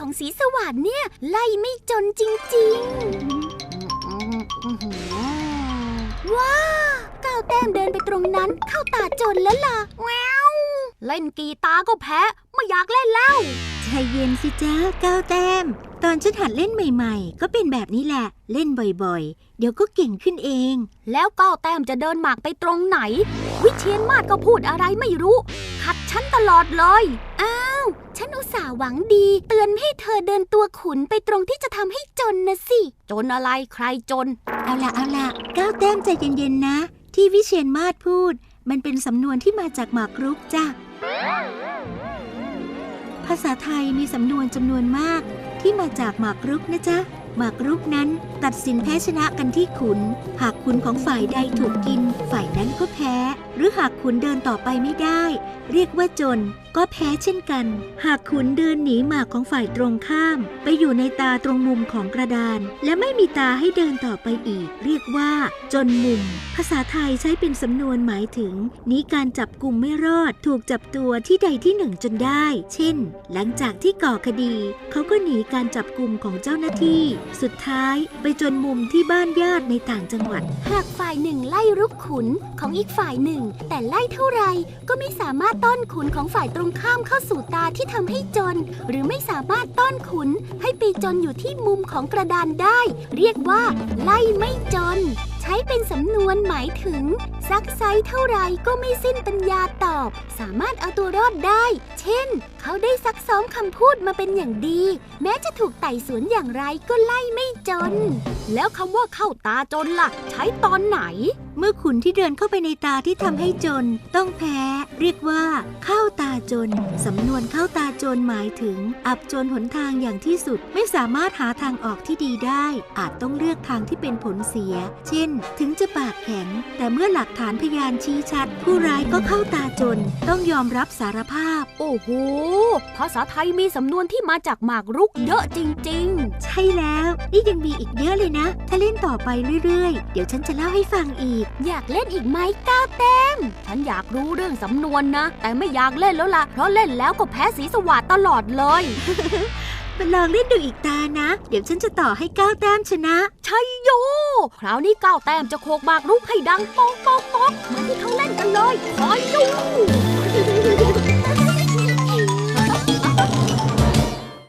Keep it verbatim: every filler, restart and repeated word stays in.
ของสีสวัสดิ์เนี่ยไล่ไม่จนจริงๆว้าก้าวแต้มเดินไปตรงนั้นเข้าตาจนแล้วล่ะแววเล่นกีตาร์ก็แพ้ไม่อยากเล่นแล้วใจเย็นสิจ้าก้าวแต้มตอนฉันหัดเล่นใหม่ๆก็เป็นแบบนี้แหละเล่นบ่อยๆเดี๋ยวก็เก่งขึ้นเองแล้วก้าวแต้มจะเดินหมากไปตรงไหนวิเชียรมาศก็พูดอะไรไม่รู้ขัดฉันตลอดเลยอ้าวฉันอุตส่าห์หวังดีเตือนให้เธอเดินตัวขุนไปตรงที่จะทำให้จนนะสิจนอะไรใครจนเอาล่ะเอาล่ะก้าวแต้มใจเย็นๆนะที่วิเชียรมาศพูดมันเป็นสำนวนที่มาจากหมากรุกจ้ะภาษาไทยมีสำนวนจำนวนมากที่มาจากหมากรุกนะจ๊ะหมากรุกนั้นตัดสินแพ้ชนะกันที่ขุนหากขุนของฝ่ายใดถูกกินฝ่ายนั้นก็แพ้หรือหากขุนเดินต่อไปไม่ได้เรียกว่าจนก็แพ้เช่นกันหากขุนเดินหนีหมากของฝ่ายตรงข้ามไปอยู่ในตาตรงมุมของกระดานและไม่มีตาให้เดินต่อไปอีกเรียกว่าจนมุมภาษาไทยใช้เป็นสำนวนหมายถึงหนีการจับกุมไม่รอดถูกจับตัวที่ใดที่หนึ่งจนได้เช่นหลังจากที่ก่อคดีเขาก็หนีการจับกุมของเจ้าหน้าที่สุดท้ายไปจนมุมที่บ้านญาติในต่างจังหวัดหากฝ่ายหนึ่งไล่รุกขุนของอีกฝ่ายหนึ่งแต่ไล่เท่าไรก็ไม่สามารถต้อนขุนของฝ่ายตรงข้ามเข้าสู่ตาที่ทำให้จนหรือไม่สามารถต้อนขุนให้ไปจนอยู่ที่มุมของกระดานได้เรียกว่าไล่ไม่จนใช้เป็นสำนวนหมายถึงซักไซเท่าไรก็ไม่สิ้นปัญญาตอบสามารถเอาตัวรอดได้เช่นเขาได้ซักซ้อมคำพูดมาเป็นอย่างดีแม้จะถูกไต่สวนอย่างไรก็ไล่ไม่จนแล้วคำว่าเข้าตาจนล่ะใช้ตอนไหนเมื่อขุนที่เดินเข้าไปในตาที่ทำให้จนต้องแพ้เรียกว่าเข้าตาจนสำนวนเข้าตาจนหมายถึงอับจนหนทางอย่างที่สุดไม่สามารถหาทางออกที่ดีได้อาจต้องเลือกทางที่เป็นผลเสียเช่นถึงจะปากแข็งแต่เมื่อหลักฐานพยานชี้ชัดผู้ร้ายก็เข้าตาจนต้องยอมรับสารภาพโอ้โหภาษาไทยมีสำนวนที่มาจากหมากรุกเยอะจริงๆใช่แล้วนี่ยังมีอีกเยอะเลยนะถ้าเล่นต่อไปเรื่อยๆเดี๋ยวฉันจะเล่าให้ฟังอีกอยากเล่นอีกไหมก้าวแต้มฉันอยากรู้เรื่องสำนวนนะแต่ไม่อยากเล่นแล้วล่ะเพราะเล่นแล้วก็แพ้สีสวัสดิ์ตลอดเลยมาลองเล่นดูอีกตานะเดี๋ยวฉันจะต่อให้ก้าวแต้มชนะชัยโยคราวนี้ก้าวแต้มจะโขกหมากรุกให้ดังป๊อกป๊อกป๊อกเหมือนที่เขาเล่นกันเลยคอยดู